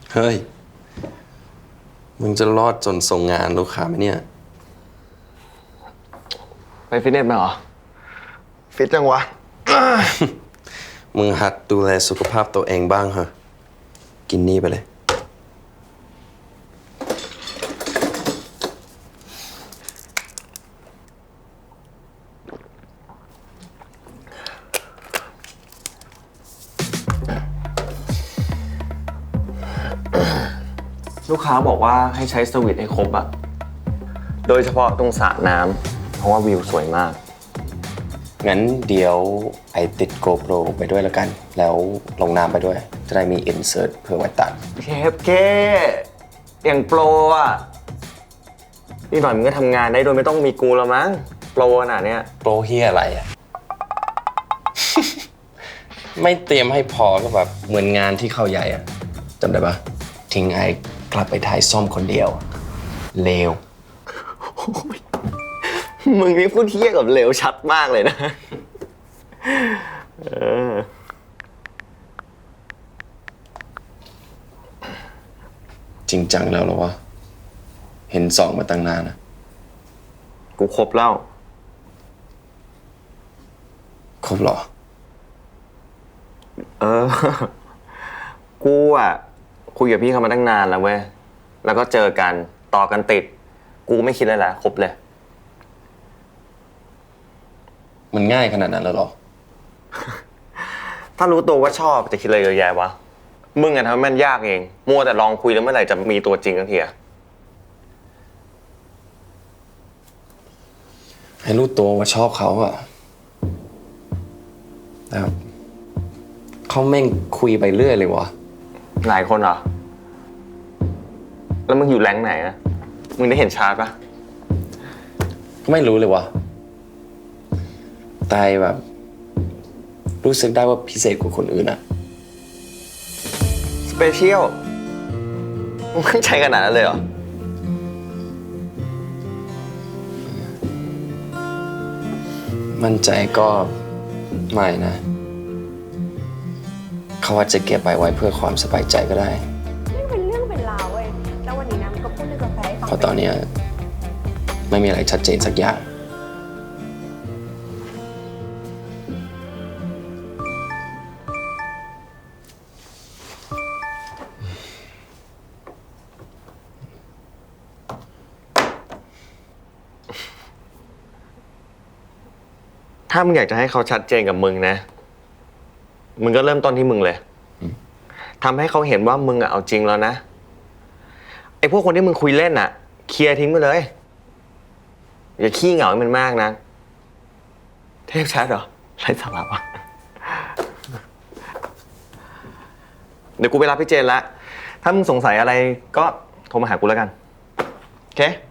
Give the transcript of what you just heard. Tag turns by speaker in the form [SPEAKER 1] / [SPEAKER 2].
[SPEAKER 1] เฮ้ย มึงจะรอดจนส่งงานลูกค้าไหมเนี่ย
[SPEAKER 2] ไปฟิตเนสมาเหรอ ฟิตจังวะ
[SPEAKER 1] มึงหัดดูแลสุขภาพตัวเองบ้างเหรอกินนี่ไปเลย
[SPEAKER 2] ลูกค้าบอกว่าให้ใช้สวิตช์ให้ครบอะโดยเฉพาะตรงสระน้ำเพราะว่าวิวสวยมาก
[SPEAKER 1] งั้นเดี๋ยวไอติด GoPro ไปด้วยแล้วกัน แล้วลงน้ำไปด้วย จะได้มี insert เพื่อไว้ตัด
[SPEAKER 2] เคอย่างโปรอะนี่หน่อยมึงก็ทำงานได้โดยไม่ต้องมีกูแล้วมั้งโปรขนาดเนี้ย
[SPEAKER 1] โปรเฮียอะไรอ่ะ ไม่เตรียมให้พอก็แบบเหมือนงานที่เข้าใหญ่อ่ะจำได้ปะทิ้งไอกลับไปถ่ายซ่อมคนเดียว เลว
[SPEAKER 2] มึงนี่พูดเที่ยกับเหลวชัดมากเลยนะ
[SPEAKER 1] จริงจังแล้วเหรอวะ เห็นสองมาตั้งนานนะ
[SPEAKER 2] กูครบแล้ว
[SPEAKER 1] ครบเหรอ
[SPEAKER 2] เออ กูอ่ะคุยกับพี่เขามาตั้งนานแล้วเว้ย แล้วก็เจอกันต่อกันติด กูไม่คิดเลยแหละครบเลย
[SPEAKER 1] มันง่ายขนาดนั้นแล้วเหรอ
[SPEAKER 2] ถ้ารู้ตัวว่าชอบจะคิดอะไรเยอะแยะวะ มึงอะทำให้มันยากเอง มัวแต่ลองคุยแล้วเมื่อไหร่จะมีตัวจริงกันทีอะ
[SPEAKER 1] ให้รู้ตัวว่าชอบเขาอะแต่เขาแม่งคุยไปเรื่อยเลยวะ
[SPEAKER 2] หลายคนเหรอ แล้วมึงอยู่แรงค์ไหนอะมึงได้เห็นชาร์ตปะ
[SPEAKER 1] ก็ไม่รู้เลยวะแต่แบบ รู้สึกได้ว่าพิเศษกว่าคนอื่นอะ
[SPEAKER 2] สเปเชียลมึงมั่นใจขนาดนั้นเลยเหรอ
[SPEAKER 1] มั่นใจก็ไม่นะ เขาอาจจะเก็บไว้เพื่อความสบายใจก็ได้
[SPEAKER 3] นี่เป็นเรื่องเป็นราวเว้ย แล้ววันนี้นะมันก็พูดเรื่องกาแฟให้ฟัง
[SPEAKER 1] เพราะตอนเนี้ยไม่มีอะไรชัดเจนสักอย่าง
[SPEAKER 2] ถ้ามึงอยากจะให้เขาชัดเจนกับมึงนะ มึงก็เริ่มต้นที่มึงเลย ทำให้เขาเห็นว่ามึงอะเอาจริงแล้วนะ ไอ้พวกคนที่มึงคุยเล่นอะเคลียร์ทิ้งไปเลย อย่าขี้เหงาให้มันมากนะ เทพชัดเหรอไร้สาระวะ เดี๋ยวกูไปรับพี่เจนละ ถ้ามึงสงสัยอะไรก็โทรมาหากูแล้วกัน โอเค